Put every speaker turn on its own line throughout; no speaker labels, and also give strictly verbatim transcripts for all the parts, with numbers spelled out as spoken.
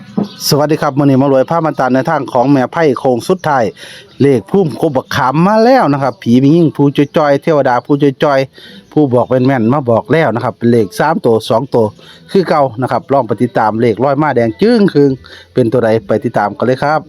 สวัสดีครับมื้อนี้มารวยผ้ามันตาในทางของแม่ไพ่โคงสุดท้ายเลขพุ่มกบขำมาแล้วนะครับผีมียิ่งผู้จอยๆเทวดาผู้จอยๆผู้บอกเป็นแม่นมาบอกแล้วนะครับเป็นเลขสามตัวสองตัวคือเก่านะครับลองไปติดตามเลขร้อยมาแดงจึ้งครึงเป็นตัวใดไปติดตามกันเลยครับ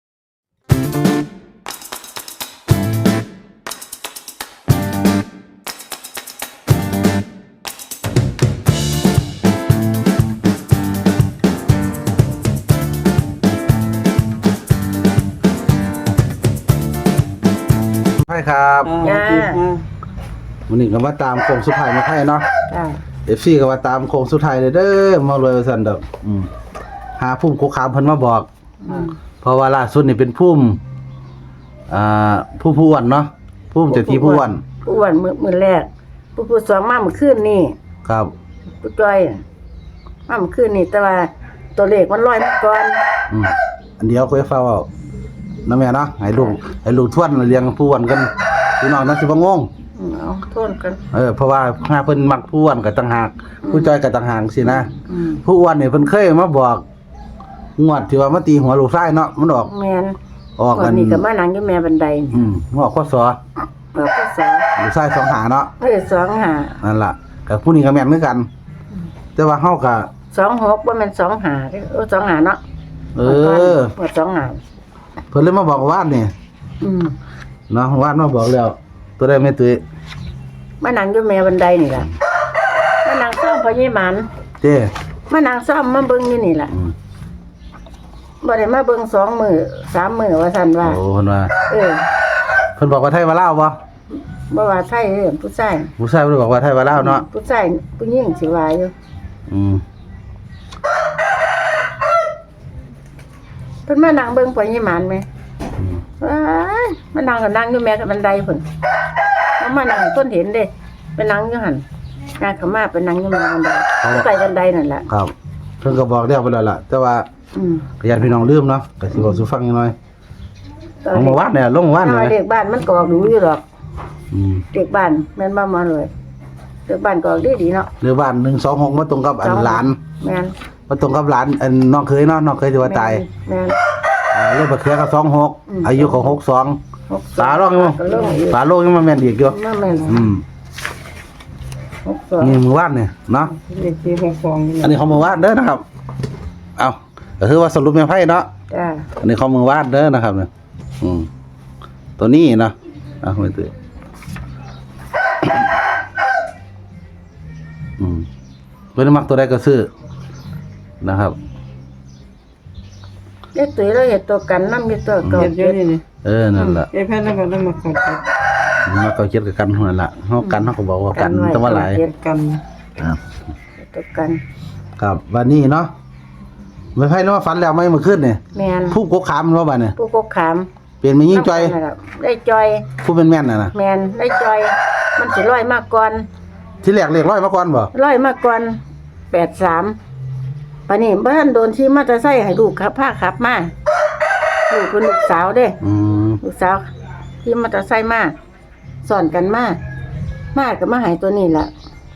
ไพ่ครับ
จ้า
วันนี้ก็มาตามโคงสุดท้ายมาไพ่เนาะ
จ้า
เอฟซีก็มาตามโคงสุดท้ายเลยเด้อมารวยว่าซั่นดอกอืมหาพุ่มโคคามเพิ่นมาบอก
อืม
เพราะว่าล่าสุดนี่เป็นพุ่มอ่าผู้ผู้อ้วนเนาะพุ่มเจ้าที่ผู้อ้วน
ผู้อ้วนมือมือแรกผู้ผู้สองมาเมื่อคืนนี่
ครับ
ผู้จ้อยมาเมื่อคืนนี่แต่ว่าตัวเลขมันลอยมาก่อน
อืมอันเดียวค่อยเฝ้าเอาน้าแม่เนาะให้ลูกให้ลูกทวนเลี้ยงผู้อ้วนกันพี่น้องน่าสิบ่งง
อืมเอาโทษกัน
เออเพราะว่าหาเพิ่นมักผู้อ้วนก็ต่างหากผู้จ้อยก็ต่างหากสินะ
อืม
ผู้อ้วนนี่เพิ่นเคยมาบอกงวดที่ว่ามาตีหัวลูกชายเนาะมันออก
แม่น
ออก
วั
กัน น
นี้ก็มานั่งอยู่แม่บันไดนี่
อืมงอกข้อศอ
เราก็สอ
ลูกชายสองหาเนาะ
เอ้ยสองหา
นั่นล่ะกับผู้นี้ก็แม่นเหมือนกัน แต่ว่าเฮาก็
สองหกว่ามันสองหาเด้อเออสองหาเนาะ
เออ
เปิดสองหา
เพิ่นเลยมาบอกว่านนี่
อืม
เนาะว่านมาบอกแล้ว ตัวได้แม่ตุ้ย
มานั่งอยู่แม่บันไดนี่ล่ะมานั่งซ่อมพญหมัน
เจ้
มานั่งซ่อมมาเบิ่งอยู่นี่ล่ะ
อืม
บ่ได้มาเบิ่งสองมื้อสามมื้อว่าซั่นว่า
โอ้เพิ่นว่า
เออ
เพิ่นบอกว่าไทยว่าลาวบ่
บ่ว่าไทยเด้อผู้ชาย
ผู้ชายเพิ่นบอกว่าไทยว่าลาวเนาะ
ผู้ชายผู้หญิงสิว่าอยู่
อืม
เพิ่นมานั่งเบิ่งปอยยี่หมานแม่
อืม
ว้ายมานั่งก็นั่งอยู่แม่กับบันไดพุ่นเอามานั่งให้เพิ่นเห็นเด้ไปนั่งอยู่หั่นงานเขามาไปนั่งอยู่แม่บันไดไปบันไดนั่นแหละ
ครับเพิ่นก็บอกแล้วไปแล้วล่ะ แต่ว่า
อืม
ก็ญาติพี่น้องลืมเนาะก็สิบอกสู่ฟังจังหน่อยลงมาวัดเนี่ยลงมาวัด
เอา
เนี่ย
เด็กบ้านมันก็ออกดูอยู่ดอก
อืม
เด็กบ้านแม่นบ่มาเลยเด็กบ้านก็ออกดีๆเนาะ
เรือบ้านหนึ่งสองหกมาตรงกับอันหลาน
แม่น
มาตรงกับหลานอันน้องเคยเนาะน้องเคยที่ว่าตาย
แม่น
อ่าเลขบักเขือก็สองหก
อืม
อายุของหกสอง
หกส
ฝาโลกยัง
ก็ลงอีก
ฝาโลกยังมาแม่นอีกอยู่
มาแม่น
อืม
หกสอง
นี่มือวาดเนี่ยเนาะ
เลขที่หกสองนี่
อันนี้ของมือวาดเด้อนะครับเอาก็คือว่าสรุปแม่ไพ่เนาะ
จ้า
อันนี้ของมือวาดเด้อนะครับเนี่ยอืมตัวนี้เนาะเอาไม่ตื่นอืมเพิ่นมักตัวใดก็ซื้อนะครับ
เด็กตุ้ยเราเห็ดตัวกันน้ำมีตัวเก่า
เก็บเยอะนี่นี่
เออนั่นล่ะ
เก็บแค่นั้นก็ต้องมาขอด
มาก็เก็บกับกันนั่นล่ะเฮากันเฮาก็บอกว่ากันต้องว่าหลาย
เฮ็ด
กัน
ครับ
ตัวกัน
ครับวันนี้เนาะไม่ไพ่เนาะฝันแล้วไหม่เมื่อคืนนี่
แม่น
ผู้กกขามเนาะบัดเนี่ย
ผู้กกขาม
เป็นแม่ยิ่งจอย
ได้จอย
ผู้เป็นแม่นน่ะนะ
แม่นได้จอย มันสิร้อยมากก่อน
ที่แรกเลขร้อยมาก่อนบ่
ร้อยมากก่อนแปดสามปานนี้บ้านโดนที่มอเตอร์ไซค์ให้ลูกขับพาขับมาลูกเป็นลูกสาวเด้
อืม
ลูกสาวที่มอเตอร์ไซค์มาสอนกันมามาก็มาใหายตัวนี้ล่ะ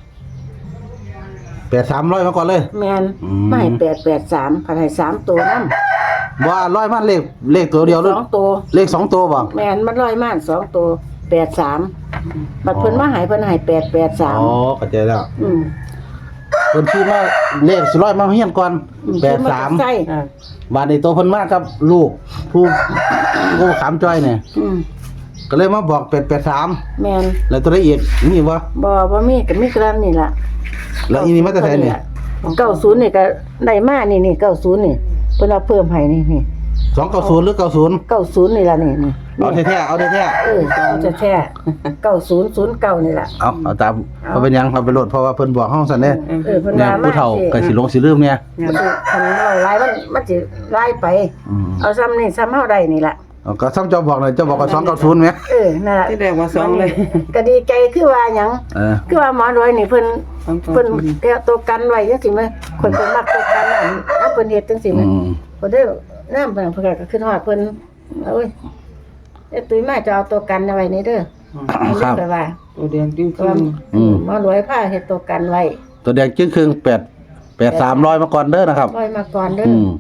แปดสามร้อยมาก่อนเลย
แม่น
อืม
มาให้แปดแปดสามพันให้สามตัวนำ
ว่าร้อยมาเลขเลขตัวเดียวหรือ
สองตัว
เลขสองตัวบ่
แม่นมันร้อยมากสองตัวแปดสามบัดเพิ่นมาใหายเพิ่นใหายแปดแปดสาม
อ๋อเข้าใจแล้ว
อืม
เพิ่นชื่อมาเลขสิร้อยมาเฮียนก่อนแปดสาม
ใช่
อ่า
บาดนี้ตัวเพิ่นมากับลูกผู้ผู้ขามจ้อยเนี่ย
อืม
ก็เลยมาบอกแปดแปดสาม
แม่น
แล้วตัวละเอียดนี่บ่
บ่บ่มีก็มีกรันนี่ล่ะ
แล้วอีนี่มาแต่ไสเนี่ย
เก้าศูนย์นี่ก็ได้มานี่นี่เก้าศูนย์นี่เพิ่นเอาเพิ่มให้นี่นี่
สองเก้าศูนย์หรือเก้าศูนย์
เก้าศูนย์นี่ล่ะนี่นี่
เอาแท้ๆเอาแท้
เออเอาจะแท้เก้าศูนย์ศูนย์เก้านี่ล่ะ
ๆเอาเอาตามเอาเป็นหยังเอาไปโหลดเพราะว่าเพิ่นบอกเฮาซั่นเด้
เออเพิ่น
เนี่ย
ว่ามา
ผู้เฒ่าก็สิลงสิลืมเนี่ย
มันสิคันเราหลายมันมันสิหลายไป
อืม
เอาซ้ำนี่ซ้ำเฮาได้นี่ล่ะ
เอาก็ซ้ำเจ้าบอกหน่อยเจ้าบอกว่าสองเก้าศูนย์ไหม
เออนั่นล่ะ
ที่แรกว่าสองเลย
ก็ดีใจคือว่าหยัง
เออ
คือว่าหมอรวยนี่เพิ่น
สองตัว
เพิ่นแก้ตัวกันไว้จังซี่แมั้ยคนเพิ่นมักตัวกันน่ะเอาเพิ่นเฮ็ดจังซี่
อื
แมั้ย
ม
เพิ่นได้น้ำเพิ่นเพิ่นก็ขึ้นฮอดเพิ่นโอ้ยไอ้ตุ้ยมาจะเอาตัวกันเอาไว้นี่เด้อ
ครับ
แต่ว่า
ตัวแดงจริง
ก็ว่า
อืม
หมอรวยพาเฮ็ดตัวกันไว้
ตัวแดงจึ้งครึ่งแปดแปดสามร้อยมาก่อนเด้อนะครับ
ร้อยมาก่อนเด้อ
อืม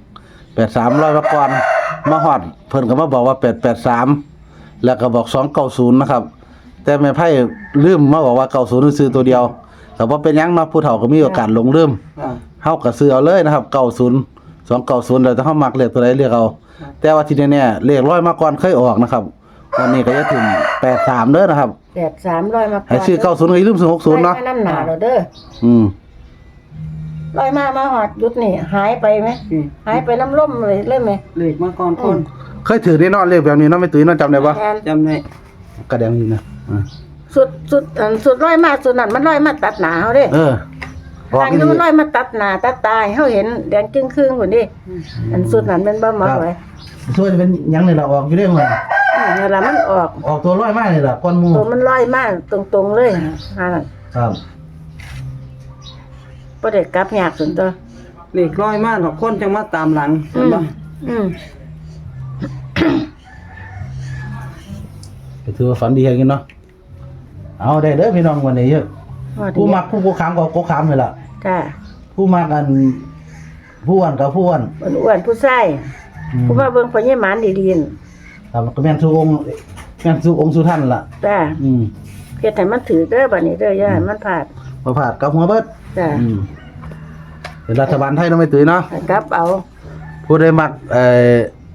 แปดสามร้อยมาก่อนมาฮอดเพิ่นก็มาบอกว่าแปดแปดสามแล้วก็บอกสองเก้าศูนย์นะครับแต่แม่ไพ่ลืมมาบอกว่าเก้าศูนย์ซื้อตัวเดียวแต่ว่าเป็นหยังเนาะผู้เฒ่าก็มีโอกาสหลงลืม
อ่า
เฮาก็ซื้อเอาเลยนะครับเก้าศูนย์ สองเก้าศูนย์แล้วถ้าเฮามักเลขตัวใดเรียกเอาแต่ว่าที่แน่ๆเลขร้อยมาก่อนเคยออกนะครับวันนี้ก็จะถึงแปดสามเด้อนะครับ
แปดสามร้อยมาก่อน
ให้ซื้อเก้าศูนย์ก็อย่าลืมซื้อหกศูนย์เนาะ
ร้อยมาน้ำหนาเราเด้อ
อืม
ร้อยมามาหอดยุดนี่หายไปไหม
อืม
หายไปน้ำล่มเลยเลยไหม
เลขมาก่อนคน
เคยถือได้เนอนเลขแบบนี้เนาะไม่ตื่นเนาะจำได้บ่
แทน
จำได้
กระแดงนี่นะอ่า
สุดสุดอันสุดร้อยมาสุดนั่นมันร้อยมาตัดหนาเขาเด้
เออบอก
ทาง
อี
นี้
หลี
มันร้อยมาตัดหนาตัดตายเขาเห็นแดงครึ่งครึ่งคนดิอันสุดนั้นเป็นบ้าหมอไว้
ช่วยจะเป็นหยังนี่ล่ะออกอยู่เรื่องว่า
อืมเวลามันออก
ออกตัวร้อยมากนี่ล่ะก้อนหมู
ตัวมันร้อยมากตรงๆเลยฮะนั่น
ครับ
บ่ได้กลับยากสุดตัว
เลขร้อยมากหรอกคนจังมาตามหลัง
อื
เห็น
ม
บ่
อืม
ก็ถือว่าฝันดีอย่างนี้เนาะเอาได้เด้อพี่น้องวันนี้เยอะ
ว่าดี
ผู้มักผู้โกขามก็โกขามนี่ล่ะ
จ้า
ผู้มักอันผู้อ้วนกับผู้อ้วน
อ้วนๆผู้ใส่
อืม
ผู้ว่าเบิ่งพญหมานดีๆนั่น
ครับก็แม่นสู่องค์แม่นสู่องค์สู่ท่านล่ะ
จ้า
อืม
เฮ็ดให้มันถือเด้อบัดนี้เด้ออย่าให้มันพลาด
บ่พลาดกับหัวเบิด
จ้า
อืมเป็นรัฐบาลไทยเนาะไม่ตื่นเนาะ
ให้กลับเอา
ผู้ใดมักเอ่อ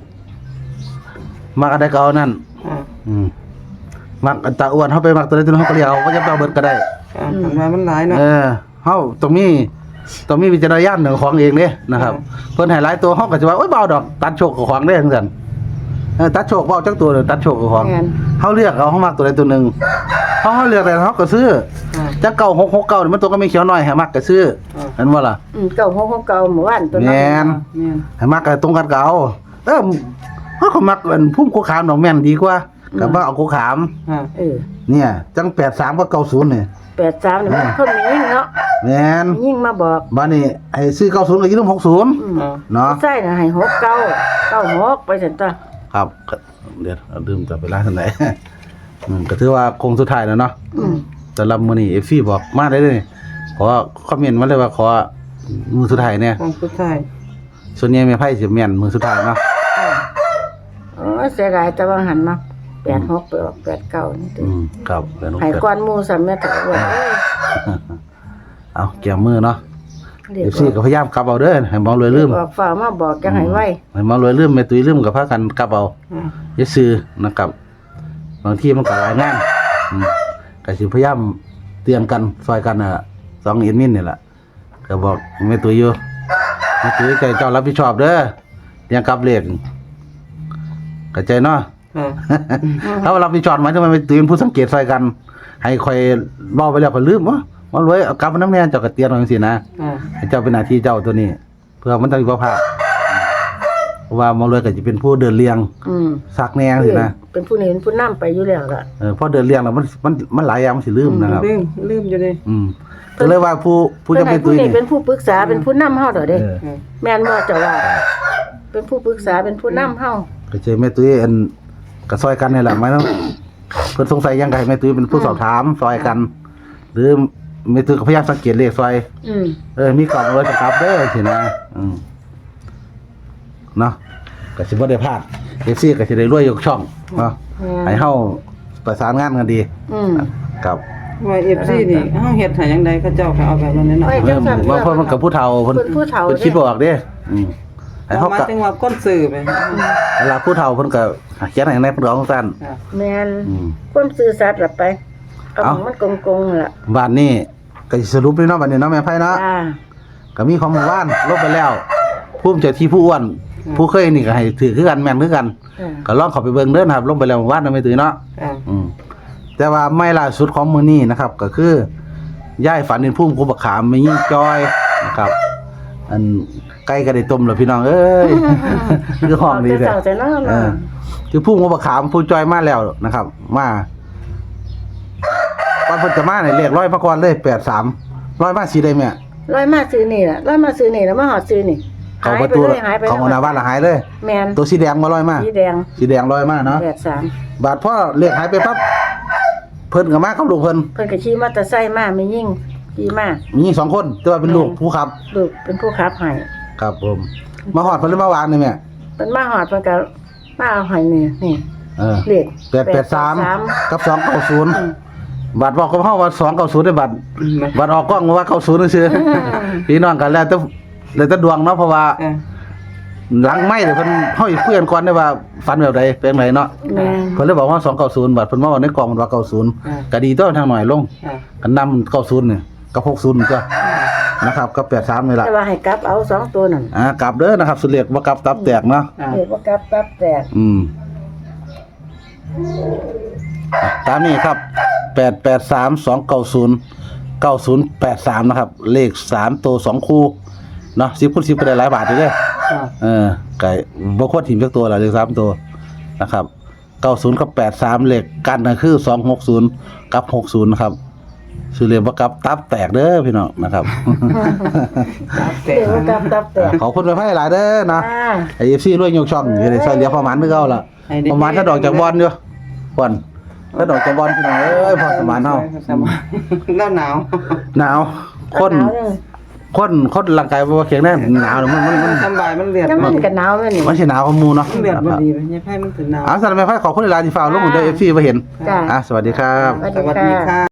มักอะไรก็เอานั่น
อ่า
อืมมักอันตาอ้วนเฮาไปมักตัวใดตัวหนึงเฮาก็เรียกเอาก็จะไปเอาเบิดก็ได้
อ่าทำไมมันหลายเนาะ
เออเฮาต้องมีต้องมีวิจารณญาณของของเองเด้นะครับ
อืม
เพิ่นให้หลายตัวเฮาก็สิว่าโอ๊ยเบาดอกตัดโชคกับของเด้จังซั่นเออตัดโชคเบาจักตัวเด้อตัดโชคกับของ
แม่น
เฮาเลือกเอาเฮามักตัวใดตัวหนึงเฮาเฮาเลือกได้เฮาก็ซื้อ
อ่า
จักเก้าหกหกเก้านี่มันตัวก็ไม่เขียวน้อยให้มักก็ซื้อ
อ่า
เห็นบ่ล่ะ
อืมเก่าของเก่าหมู่บ้านตัวนั้น
แม่น
แม่น
ให้มักก็ตรงกันก็เอาเออเฮาก็มักอันพุ่มโคขามดอกแม่นดีกว่าก็บ่เอาโคขาม
อ่า
เออ
เนี่ยจังแปดสามกับเก้าศูนย์นี่
แปดสามนี่มันคนมียิ่งเนาะ
แม่น
มียิ่งมาบอก
บัดนี้ให้ซื้อเก้าศูนย์ก็อย่าลืมหกศูนย์
อืม
อ่า
เนาะ
ผู้ใส่น่ะให้หกเก้าเก้าหกไปซั่นตัว
ครับก็เดี๋ยวเอาลืมจะไปร้านทางไหน อืมก็ถือว่าคงสุดท้ายแล้วเนาะ
อืม
สำหรับมื้อนี้ เอฟ ซี บอกมาได้เลยขอคอมเมนต์มาเลยว่าขอมือสุดท้ายเนี่ย
ของสุดท้าย
ส่วนใหญ่แม่ไพ่สิแม่นมือสุดท้ายเนาะ
โอ้ยเสียดายแต่ว่าหันเนาะแปดหกไปออกแปดเก้านี่ติ
อืมครับแล้วน้อง
ให้
เกิด
ก้อนหมู่ซ้ํแม่ถอยว่า
เอาแก้มือเนาะ
เรีย
เอก ฟ ซี ก็พยายามกลับเอาเด้อให้มองรวยลืม
บอกฝ่ามาบอกจังให้ไว้
ให้มองรวยลืมแม่ตุ้ยลืมก็พากันกลับเอา
อ่า
อย่าซื้อนะครับบางทีมันก็หลายงานอืมก็สิพยายามเตรียมกันซอยกันน่ะสองเอ็นมินนี่แหละก็บอกแม่ตุ้ยอยู่แม่ตุ้ยใจเจ้ารับผิดชอบเด้อเรียงกลับเลขเข้าใจเนาะ
อ่า
ถ้าว่ารับผิดชอบหมายถึงว่าแม่ตุ้ยเป็นผู้สังเกตซอยกัน ให้คอยเว้าไปแล้วก็ลืมวะมันรวยเอากลับมาน้ำแน่เจ้าก็เตียนเอาจังซี่นะ
อ่า
ให้เจ้าเป็นหน้าที่เจ้าตัวนี้ เพื่อมันต้องมีบ่พลาดเพราะว่ามันรวยก็จะเป็นผู้เดินเรียง
อืม
ซักแนงสินะ
เป็นผู้นี้เป็นผู้นํไปอยู่แล้วล่ะ
เออพอเดินเรียงแล้วมันมันมันหลายอย่างมันสิลืมนะครับ
ลืมลืมอยู่ดิ
อืมก็เลยว่าผู้ผู้จะเป็น
ผู้
ตุ้ย
นี้
นี่
เป็นผู้ปรึกษาเป็นผู้นำเฮาเด้อเด้
เออ
อ่า
แม่นบ่เจ้าว่า เป็นผู้ปรึกษาเป็นผู้นำเฮา
ก็เจอแม่ตุ้ยอันก็ซอยกันนี่แหละหมายถึงเพิ่นสงสัยหยังไงแม่ตุ้ยเป็นผู้สอบถามซอยกัน หรือแม่ตุ้ยก็พยายามสังเกตเลขซอย
อืม
เออมีกล่องเลยประกับเด้อสินะอืมเนาะก็สิบ่ได้พลาด เอฟ ซี ก็สิได้รวยยกช่องเนาะให้เฮาประสานงานกันดี
อืม
ครับ
ว่า เอฟ ซี นี่เฮาเฮ็ดให้จังไดเขาเจ้าก็เอาแบบนั้นเนาะ
ไว้
เออว่าเพิ่นมันกับผู้เฒ่าเพิ่น
เพิ่นผู้เฒ่า
เพิ่นคิดบ่ออกเด้อืมให้เฮา
หมาย
ก็
ถึงว่าคนซื้อไป
เวลาผู้เฒ่าเพิ่นก็เขียนให้ในเพิ่นร้องซั่น
อ่า
แม่น
อืม
ความซื่อสัตย์ล่ะไปเอา
เอ้า
ของมันโกงๆล่ะ
บ้านนี้ก็สิสรุปเลยเนาะบัดนี้เนาะแม่ไผเนาะ
จ้า
ก็มีของหมู่บ้านลบไปแล้วภูมิใจที่ผู้อ้วน ผู้เคยนี่ก็ให้ถือคือกันแม่นคือกัน
จ้า
ก็ลองเข้าไปเบิ่งเด้อนะครับลงไปแล้วหมู่บ้านไม่ตื่นเนาะ
อ่า
อืมแต่ว่าไม่ล่าสุดของมื้อนี้นะครับ ก็คือย่ายฝันเห็นพุ่มกุบักขามไม่ยิ่งจอยนะครับ อันไก่ก็ได้ต้มแล้วพี่น้องเอ้ย คือห้องนี้
เด้
เด้
อ
อ
แต่น้อ
เออคือพุ่มกุบักขามผู้จอยมาแล้วนะครับ มาก่อนเพิ่นจะมาเนี่ยเลขร้อยมาก่อนเลยแปดสามร้อยมาสีได้แม่
ร้อยมาซื้อนี่ล่ะร้อยมาซื้อนี่แล้วมาหอดซื้อนี่
เขา
หาย
ประ
ไป
ตู
เลยหายไป
ของหน้าบ้านละหายเลย
แม่น
ตัวสีแดงมาร้อยมา
สีแดง
สีแดงร้อยมาเนาะ
แปดสาม
บาดพ่อเลขหายไปปั๊บเพิ่นก็มากับลูกเพิ่น
เพิ่นก็ขี่มอเตอร์ไซค์มาไม่ยิ่งขี่มา
มีสองคนแต่ว่าเป็นลูกผู้ขับ
ลูกเป็นผู้ขับให้
ครับผมมาหอดเพิ่นเลยมาวางนี่แม่
เป็นมาหอดมันก็มาเอาใหอยนี่นี่
เออ
เลข
แปดแปดสาม
สาม
กับสองเก้าศูนย์
อืม
บัตรบอกกับเฮาว่าสองเก้าศูนย์ได้บัตรบัตรออกกล้องว่าเก้าศูนย์ซื่อๆพี่น้องกันแล้วแต่แล้วแต่ดวงเนาะเพราะว่า
เออ
หลังไม่เดี๋ยวเพิ่นเฮาอีกคุยกันก่อนได้ว่าฝันแบบใดเป็นไงเนาะ
แม่น
เพิ่นเลยบอกว่าสองเก้าศูนย์บัตรเพิ่นมาว่าในกล่องมันว่าเก้าศูนย์
อ่า
ก็ดีตัวทางหน่อยลง
อ่า
กันนำเก้าศูนย์นี่กับหกศูนย์ก็นะครับก็แปดสามนี่ล่ะ
แต่ว่าให้กลับเอาสองตัวนั่น
อ่ากลับเด้อนะครับสุดเรียกว่ากลับตับแตกเนาะ
อ่า
เลขว่ากลับกลับแตก
อืมอ่ะตามนี้ครับแปดแปดสามสองเก้าศูนย์เก้าศูนย์แปดสามนะครับเลขสามตัวสองคู่เนาะสิบคูณสิบก็ได้หลายบาทอยู่เด้อ
อ่า
เออไก่บ่ควรถิ่มสักตัวละเลขสามตัวนะครับเก้าศูนย์กับแปดสามเลขกันก็คือสองหกศูนย์กับหกศูนย์นะครับชื่อเรียกว่ากับตับแตกเด้อพี่น้องนะครับ
แต่
เลขว่ากลับกลับแตก
ขอบคุณไปให้หลายเด้อนะ
อ่า
ไอเอฟซีด้วยยกช่องอยู่ในซอยเหลียวประมาณนึกเอาละประมาณถ้าดอกจากบอลอยู่บอลถ้าดอกจากบอลพี่น้องเอ้ยพอสมานเฮา
สมานหน้าหนาว
หนาวคน
หาวจัง
คนคนร่างกายบ่แข็งแรงหนาวมันมันมัน
สบายมันเลือด
น้ำ
มั
มัน นก็หนาวแม่นี่
มันสิหนาวของหมู่เนาะ
เลือดบ่ดีไปยายไผมันถึงหนาว
อ่ะสำหรับแม่ไผขอบคุณหลายๆที่ฝากลงได้ เอฟ ซี บ่เห็น
จ้า
อ่ะสวัสดีครับ
สวัส
สวัส
ดี
ดี
ค่ะ
ค่ะ